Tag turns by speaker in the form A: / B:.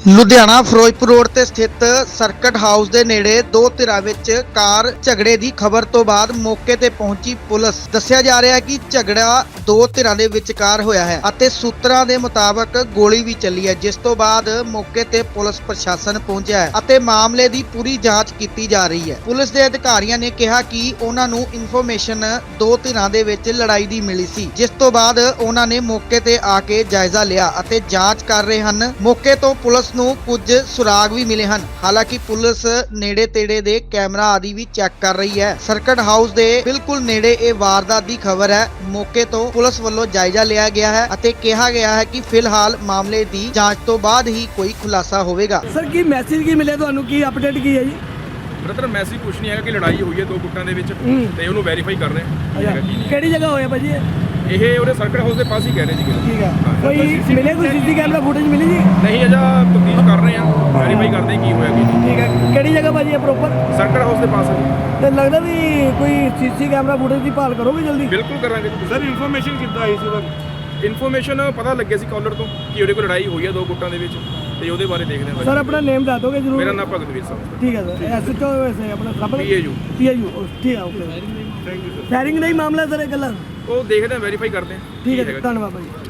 A: Ludhiana Firozpur road ਤੇ ਸਥਿਤ circuit house ਦੇ ਨੇੜੇ ਦੋ ਧਿਰਾਂ ਵਿੱਚ ਕਾਰ ਝਗੜੇ ਦੀ ਖਬਰ ਤੋਂ ਬਾਅਦ ਮੌਕੇ ਤੇ ਪਹੁੰਚੀ ਪੁਲਿਸ। ਦੱਸਿਆ ਜਾ ਰਿਹਾ ਹੈ ਕਿ ਝਗੜਾ ਦੋ ਧਿਰਾਂ ਦੇ ਵਿਚਕਾਰ ਹੋਇਆ ਹੈ ਅਤੇ ਸੂਤਰਾਂ ਦੇ ਮੁਤਾਬਕ ਗੋਲੀ ਵੀ ਚੱਲੀ ਹੈ, ਜਿਸ ਤੋਂ ਬਾਅਦ ਮੌਕੇ ਤੇ ਪੁਲਿਸ ਪ੍ਰਸ਼ਾਸਨ ਪਹੁੰਚਿਆ ਹੈ ਅਤੇ ਮਾਮਲੇ ਦੀ ਪੂਰੀ ਜਾਂਚ ਕੀਤੀ ਜਾ ਰਹੀ ਹੈ। ਪੁਲਿਸ ਦੇ ਅਧਿਕਾਰੀਆਂ ਨੇ ਕਿਹਾ ਕਿ ਉਹਨਾਂ ਨੂੰ ਇਨਫੋਰਮੇਸ਼ਨ ਦੋ ਧਿਰਾਂ ਦੇ ਵਿੱਚ ਲੜਾਈ ਦੀ ਮਿਲੀ ਸੀ, ਜਿਸ ਤੋਂ ਬਾਅਦ ਉਹਨਾਂ ਨੇ ਮੌਕੇ ਤੇ ਆ ਕੇ ਜਾਇਜ਼ਾ ਲਿਆ ਅਤੇ ਜਾਂਚ ਕਰ ਰਹੇ ਹਨ। ਮੌਕੇ ਤੋਂ ਪੁਲਿਸ ਨੂੰ ਕੁਝ ਸੁਰਾਗ ਵੀ ਮਿਲੇ ਹਨ। ਹਾਲਾਂਕਿ ਪੁਲਿਸ ਨੇੜੇ ਤੇੜੇ ਦੇ ਕੈਮਰਾ ਆਦਿ ਵੀ ਚੈੱਕ ਕਰ ਰਹੀ ਹੈ। ਸਰਕਟ ਹਾਊਸ ਦੇ ਬਿਲਕੁਲ ਨੇੜੇ ਇਹ ਵਾਰਦਾਤ ਦੀ ਖਬਰ ਹੈ। ਮੌਕੇ ਤੋਂ ਪੁਲਿਸ ਵੱਲੋਂ ਜਾਇਜ਼ਾ ਲਿਆ ਗਿਆ ਹੈ ਅਤੇ ਕਿਹਾ ਗਿਆ ਹੈ ਕਿ ਫਿਲਹਾਲ ਮਾਮਲੇ ਦੀ ਜਾਂਚ ਤੋਂ ਬਾਅਦ ਹੀ ਕੋਈ ਖੁਲਾਸਾ ਹੋਵੇਗਾ।
B: ਸਰ ਕੀ ਮੈਸੇਜ ਕੀ ਮਿਲਿਆ ਤੁਹਾਨੂੰ, ਕੀ ਅਪਡੇਟ ਕੀ ਹੈ ਜੀ?
C: ਬ੍ਰਦਰ ਮੈਸੇਜ ਕੁਛ ਨਹੀਂ ਹੈਗਾ ਕਿ ਲੜਾਈ ਹੋਈ ਹੈ ਦੋ ਗੁੱਟਾਂ ਦੇ ਵਿੱਚ ਤੇ ਉਹਨੂੰ ਵੈਰੀਫਾਈ ਕਰ ਰਹੇ ਹਾਂ
B: ਕਿਹੜੀ ਜਗ੍ਹਾ ਹੋਇਆ ਭਾਜੀ
C: ਇਹ ਉਹਦੇ ਸਰਕਟ ਹਾਊਸ ਦੇ ਪਾਸ ਹੀ ਕਹਿ ਰਹੇ ਸੀਗੇ।
B: ਠੀਕ ਹੈ, ਕੋਈ ਮਿਲੇ ਕੋਈ ਸੀਸੀ ਕੈਮਰਾ ਫੁਟੇਜ ਮਿਲੀ ਜੀ?
C: ਨਹੀਂ ਅਜਾ ਤਫਤੀਸ਼ ਕਰ ਰਹੇ ਹਾਂ, ਵੈਰੀਫਾਈ ਕਰਦੇ ਹਾਂ ਕੀ ਹੋਇਆ ਕੀ ਨਹੀਂ।
B: ਠੀਕ ਹੈ, ਕਿਹੜੀ ਜਗ੍ਹਾ ਭਾਜੀ ਹੈ ਪ੍ਰੋਪਰ?
C: ਸਰਕਟ ਹਾਊਸ ਦੇ ਪਾਸ ਹੈ।
B: ਤੇ ਲੱਗਦਾ ਵੀ ਕੋਈ ਸੀਸੀ ਕੈਮਰਾ ਫੁਟੇਜ ਦੀ ਭਾਲ ਕਰੋਗੇ ਜਲਦੀ?
C: ਬਿਲਕੁਲ ਕਰਾਂਗੇ
D: ਸਰ ਇਨਫੋਰਮੇਸ਼ਨ ਕਿੱਦਾਂ ਆਈ ਸੀ ਉਹਦਾ?
C: ਇਨਫੋਰਮੇਸ਼ਨ ਪਤਾ ਲੱਗਿਆ ਸੀ ਕਾਲਰ ਤੋਂ ਕਿ ਉਹਦੇ ਕੋਲ ਲੜਾਈ ਹੋਈ ਹੈ ਦੋ ਗੁੱਟਾਂ ਦੇ ਵਿੱਚ ਤੇ ਉਹਦੇ ਬਾਰੇ ਦੇਖਦੇ ਹਾਂ।
B: ਸਰ ਆਪਣਾ ਨੇਮ ਦੱਸ ਦੋਗੇ ਜਰੂਰ?
C: ਮੇਰਾ ਨਾਮ ਭਗਤਵੀਰ ਸਿੰਘ।
B: ਠੀਕ ਹੈ ਸਰ, ਐਸਐਚਓ ਵੈਸੇ ਆਪਣਾ ਸਭ
C: PAU
B: ਠੀਕ ਹੈ, okay.
D: Thank you sir.
B: Firing ਨਹੀਂ ਮਾਮਲਾ ਸਰ ਇਹ ਗੱਲਾਂ?
C: ਉਹ ਦੇਖਦੇ ਹਾਂ, ਵੈਰੀਫਾਈ ਕਰਦੇ ਹਾਂ।
B: ਠੀਕ ਹੈ, ਧੰਨਵਾਦ ਭਾਜੀ।